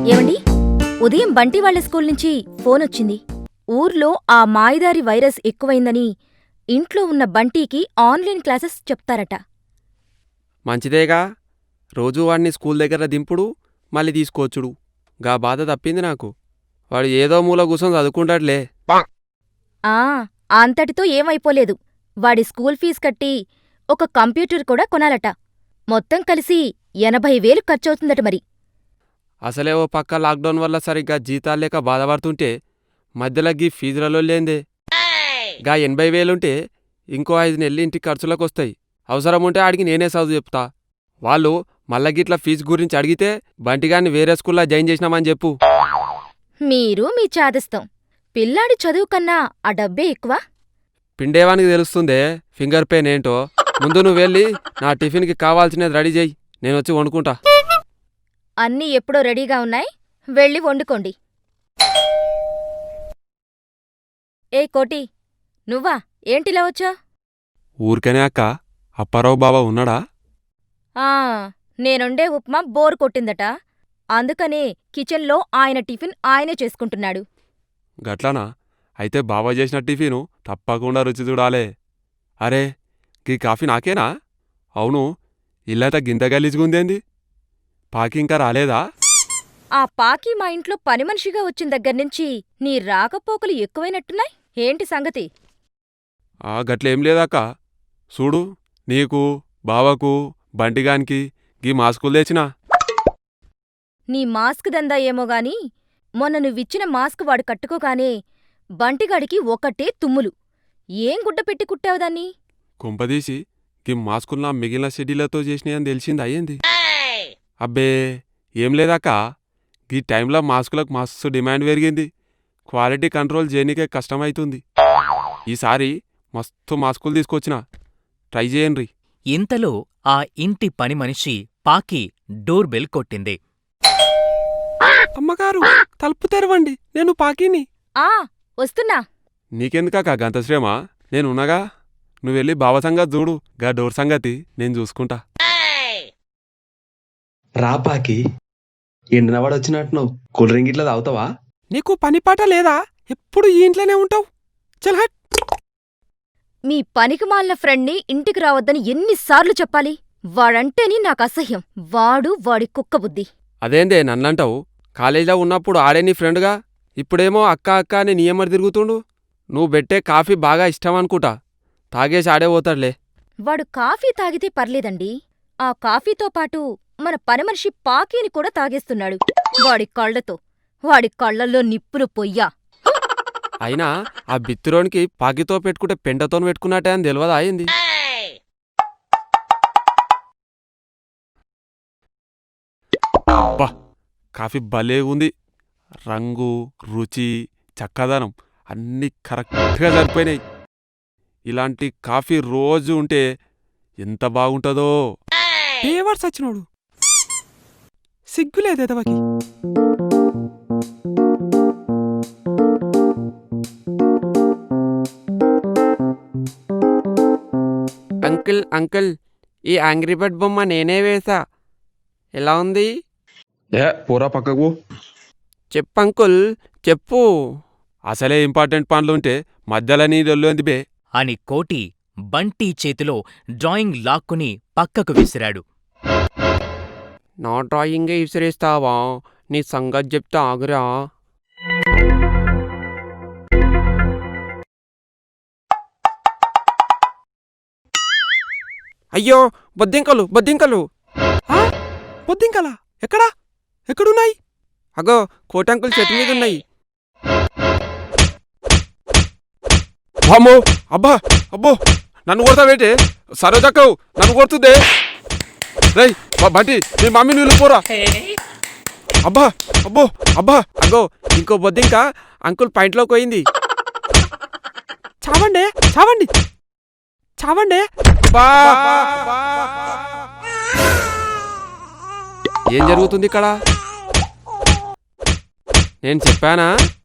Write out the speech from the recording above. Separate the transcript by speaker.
Speaker 1: ఏవండి, ఉదయం బంటి వాళ్ల స్కూల్ నుంచి ఫోనొచ్చింది. ఊర్లో ఆ మాయదారి వైరస్ ఎక్కువైందని ఇంట్లో ఉన్న బంటీకి ఆన్లైన్ క్లాసెస్ చెప్తారట.
Speaker 2: మంచిదేగా, రోజూ వాడిని స్కూల్ దగ్గర దింపుడు, మళ్ళీ తీసుకొచ్చుడు. గా బాధ తప్పింది నాకు. వాడు ఏదో మూల కూసొని చదువుకుంటాడులే.
Speaker 1: ఆ అంతటితో ఏమైపోలేదు. వాడి స్కూల్ ఫీజు కట్టి ఒక కంప్యూటర్ కూడా కొనాలట. మొత్తం కలిసి 80,000 ఖర్చవుతుందట మరి.
Speaker 2: అసలే ఓ పక్క లాక్డౌన్ వల్ల సరిగ్గా జీతాల్లేక బాధపడుతుంటే మధ్యలో గీ ఫీజులలో లేందే. గా 80,000 ఇంకో 5 నెలలు ఇంటికి ఖర్చులకొస్తాయి. అవసరం ఉంటే ఆడికి నేనే చదువు చెప్తా. వాళ్ళు మళ్ళా గిట్ల ఫీజు గురించి అడిగితే బంటిగాన్ని వేరే స్కూల్లో జాయిన్ చేసినామని చెప్పు.
Speaker 1: మీరు మీ చాదస్తం. పిల్లాడి చదువు కన్నా ఆ డబ్బే ఎక్కువ.
Speaker 2: పిండేవానికి తెలుస్తుందే ఫింగర్ పెయిన్ ఏంటో. ముందు నువ్వు వెళ్ళి నా టిఫిన్కి కావాల్సినది రెడీ చేయి, నేనొచ్చి వండుకుంటా.
Speaker 1: అన్నీ ఎప్పుడో రెడీగా ఉన్నాయి, వెళ్ళి వండుకోండి. ఏ కోటి, నువ్వా? ఏంటిలా వచ్చా?
Speaker 2: ఊరికనే అక్క. అప్పారావు బాబా ఉన్నాడా?
Speaker 1: ఆ నేనుండే ఉప్మా బోర్ కొట్టిందట. అందుకనే కిచెన్లో ఆయన టిఫిన్ ఆయనే చేసుకుంటున్నాడు.
Speaker 2: గట్లానా? అయితే బాబా చేసిన టిఫిను తప్పకుండా రుచి చూడాలే. అరే, గీ కాఫీ నాకేనా? అవును, ఇల్లంతా గింత గలీజుగుందేంది? పాకి ఇంకా రాలేదా?
Speaker 1: ఆ పాకి మా ఇంట్లో పనిమనిషిగా వచ్చిన దగ్గర్నుంచి నీ రాకపోకలు ఎక్కువైనట్టున్నాయి. ఏంటి సంగతి?
Speaker 2: గట్లేం లేదక్క. చూడు, నీకు, బావకు, బంటిగానికి గీ మాస్కులు తెచ్చినా.
Speaker 1: నీ మాస్క్ దందా ఏమోగాని మొన్న నువ్విచ్చిన మాస్క్ వాడు కట్టుకోగానే బంటిగాడికి ఒకటే తుమ్ములు. ఏం గుడ్డ పెట్టి కుట్టావు దాన్ని?
Speaker 2: కుంపదీసి గీ మాస్కులు నా మిగిలిన షెడ్యూలతో చేసినాయని తెలిసింది అయ్యింది. అబ్బే, ఏం లేదక్క. గీ టైంలో మాస్కులకు మస్తు డిమాండ్ పెరిగింది. క్వాలిటీ కంట్రోల్ చేయనీకే కష్టమైతుంది. ఈసారి మస్తు మాస్కులు తీసుకొచ్చిన, ట్రై చేయండ్రి.
Speaker 3: ఇంతలో ఆ ఇంటి పనిమనిషి పాకి డోర్ బెల్ కొట్టింది.
Speaker 2: అమ్మగారు, తలుపు తెరవండి, నేను పాకిని.
Speaker 1: ఆ వస్తున్నా.
Speaker 2: నీకెందుకాక గంత శ్రమ? నేనున్నగా. నువ్వెళ్ళి బావ సంగతి చూడు, గా డోర్ సంగతి నేను చూసుకుంటా.
Speaker 4: రాపాకి, ఎండినవాడొచ్చినట్టున్నావు. కూల్ డ్రింక్ ఇట్లా తాగుతావా?
Speaker 2: నీకు పనిపాట లేదా? ఎప్పుడు ఈ ఇంట్లోనే ఉంటావు. చల్ హట్.
Speaker 1: మీ పనికిమాలిన ఫ్రెండ్ని ఇంటికి రావద్దని ఎన్నిసార్లు చెప్పాలి? వాడంటేని నాకసహ్యం. వాడి కుక్కబుద్ధి.
Speaker 2: అదేందే నన్నంటావు? కాలేజీలో ఉన్నప్పుడు ఆడే నీ ఫ్రెండ్గా, ఇప్పుడేమో అక్క అక్క అని నీయమ్మడి తిరుగుతుండు. నువ్వు పెట్టే కాఫీ బాగా ఇష్టమనుకుంటా. తాగేసి ఆడే పోతాడులే.
Speaker 1: వాడు కాఫీ తాగితే పర్లేదండి, ఆ కాఫీతో పాటు మన పనిమనిషి పాకీని కూడా తాగేస్తున్నాడు. వాడి కళ్ళల్లో నిప్పులు పొయ్యా.
Speaker 2: అయినా ఆ బిత్తిరోనికి పాకితో పెట్టుకుంటే పెంటతోని పెట్టుకున్నట్టే అని తెలియదా అయింది. అబ్బా, కాఫీ భలే ఉంది. రంగు, రుచి, చక్కదనం అన్నీ కరెక్ట్గా సరిపోయినాయి. ఇలాంటి కాఫీ రోజు ఉంటే ఎంత బాగుంటుందో. పేవర్స్ వచ్చినోడు సిగ్గులేదేదవకి. అంకుల్ అంకుల్, ఈ యాంగ్రీ బర్డ్ బొమ్మ నేనే వేసా. ఎలా ఉంది?
Speaker 4: పోరా పక్కకు.
Speaker 2: చెప్పు అంకుల్, చెప్పు. అసలే ఇంపార్టెంట్ పనులుంటే మధ్యలో నీ దొల్లుంది బే
Speaker 3: అని కోటి బంటి చేతిలో డ్రాయింగ్ లాక్కుని పక్కకు విసిరాడు.
Speaker 2: నా డ్రాయింగే విసిరేస్తావా? నీ సంగతి చెప్తా ఆగురా. అయ్యో, బొద్దింకలు బొద్దింకలు. బొద్దింకలా? ఎక్కడా? ఎక్కడున్నాయి? అగో, కోటంకుల్ చెట్టు మీద ఉన్నాయి. అమ్మో, అబ్బా, అబ్బో, నన్ను కొడతావేంటి? సరోజక్కవు నన్ను కొడుతుందే. రేయ్ బంటి, నీ మమ్మీ నీళ్ళు పోరా. అబ్బా, అబ్బో, అబ్బా. అగో, ఇంకో బొద్దింక అంకుల్ పాయింట్లోకి పోయింది. చావండే, చావండి, చావండే. ఏం జరుగుతుంది ఇక్కడ? నేను చెప్పానా